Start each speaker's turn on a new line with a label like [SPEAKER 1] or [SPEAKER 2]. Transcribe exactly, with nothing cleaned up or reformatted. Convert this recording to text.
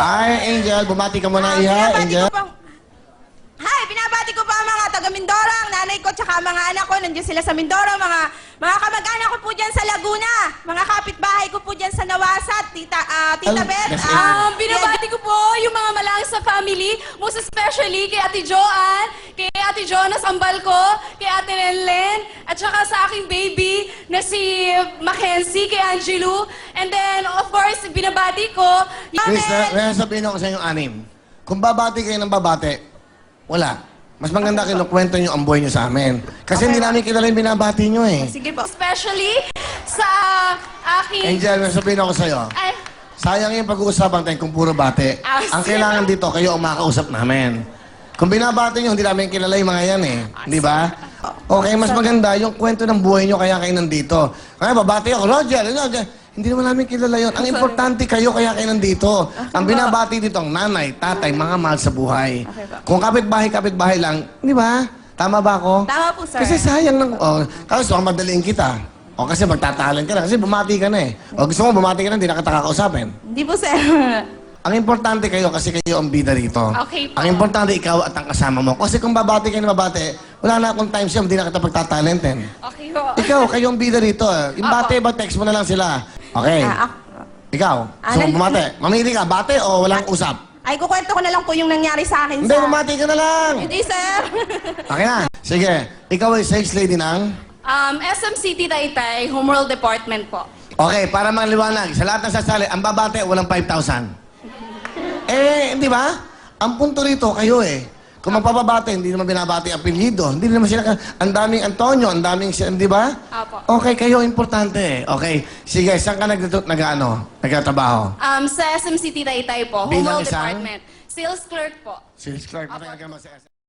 [SPEAKER 1] Hi, Angel. Bumati ka muna,
[SPEAKER 2] Ah,
[SPEAKER 1] Iha.
[SPEAKER 2] binabati
[SPEAKER 1] Angel.
[SPEAKER 2] ko po- Hi, binabati ko po ang mga taga Mindoro, ang nanay ko tsaka mga anak ko. Nandiyan sila sa Mindoro, mga mga kamag-anak ko po dyan sa Laguna, mga kapitbahay ko po dyan sa Nawasat, Tita, ah, Tita
[SPEAKER 1] Al-
[SPEAKER 2] Beth.
[SPEAKER 1] Yes,
[SPEAKER 2] ah,
[SPEAKER 3] Um, binabati ko po yung mga malang sa family, most especially kay Ate Joanne, kay Ate Jonas Ambal ko, kay Ate Lenlen, at saka sa aking baby na si Mackenzie, kay Angelou. And then, of course, binabati ko.
[SPEAKER 1] Please, uh, sabihin ako sa inyong anim. Kung babati kayo ng babati, wala. Mas maganda kinukwento nyo ang buhay nyo sa amin. Kasi hindi namin kilala yung binabati nyo eh.
[SPEAKER 2] Sige po.
[SPEAKER 3] Especially sa aking...
[SPEAKER 1] Angel, may sabihin ako sa'yo.
[SPEAKER 3] Ay,
[SPEAKER 1] Sayang yung pag-uusapan tayo kung puro bati.
[SPEAKER 3] Ah,
[SPEAKER 1] Ang
[SPEAKER 3] sige.
[SPEAKER 1] kailangan dito, kayo ang makausap namin. Kung binabati nyo, hindi namin kilala yung mga yan eh. Di ba? Okay, mas maganda yung kwento ng buhay nyo kaya kayo nandito. Kaya babati ako, Roger, Roger. Hindi naman namin kilala yun. Ang importante kayo kaya kayo nandito. Ang binabati dito ang nanay, tatay, mga mahal sa buhay.
[SPEAKER 2] Okay po.
[SPEAKER 1] Kung kapit-bahay, kapit-bahay lang, di ba? Tama ba ako?
[SPEAKER 2] Tama po, sir.
[SPEAKER 1] Kasi sayang lang. Oh, kasi baka madaliin kita. O kasi magtatalan ka na. Kasi bumati ka na eh. O gusto mo bumati ka na, hindi na kita kakausapin.
[SPEAKER 2] Hindi po, sir.
[SPEAKER 1] Ang importante kayo kasi kayo ang bida rito.
[SPEAKER 3] Okay po.
[SPEAKER 1] Ang importante ikaw at ang kasama mo. Kasi kung babati kayo na babati, wala na akong time siya, hindi na kita pagtatalentin.
[SPEAKER 3] okay po.
[SPEAKER 1] Ikaw, kayo ang bida rito. eh. Yung
[SPEAKER 3] Opo.
[SPEAKER 1] bate ba, text mo na lang sila. Okay.
[SPEAKER 2] Ah, ako.
[SPEAKER 1] Ikaw,
[SPEAKER 2] Ah,
[SPEAKER 1] so
[SPEAKER 2] nan-
[SPEAKER 1] bumati. Mamili ka, bate o walang usap?
[SPEAKER 2] Ay, kukwento ko na lang po yung nangyari sa akin
[SPEAKER 1] Hindi,
[SPEAKER 2] sa...
[SPEAKER 1] bumati ka na lang.
[SPEAKER 2] Hindi, sir.
[SPEAKER 1] Okay na. Sige, ikaw ay sex lady ng...
[SPEAKER 3] Um, S M C T Taytay, Homeworld Department po.
[SPEAKER 1] Okay, para maliwanag, sa lahat ng sasali, ang babate, walang five thousand. Eh, di ba? Ang punto rito, kayo eh. Kung magpapabate, hindi naman binabati ang apelyido. Hindi naman sila, ang daming Antonio, ang daming, si- di ba?
[SPEAKER 3] Apo.
[SPEAKER 1] Okay, kayo, importante eh. Okay, sige, saan ka nag, nag, ano, nagtatrabaho?
[SPEAKER 3] Um, sa S M C T Taytay po,
[SPEAKER 1] Bilang
[SPEAKER 3] Homeworld
[SPEAKER 1] isang?
[SPEAKER 3] Department. Sales clerk po.
[SPEAKER 1] Si Clark, matagal ka naman sa S M.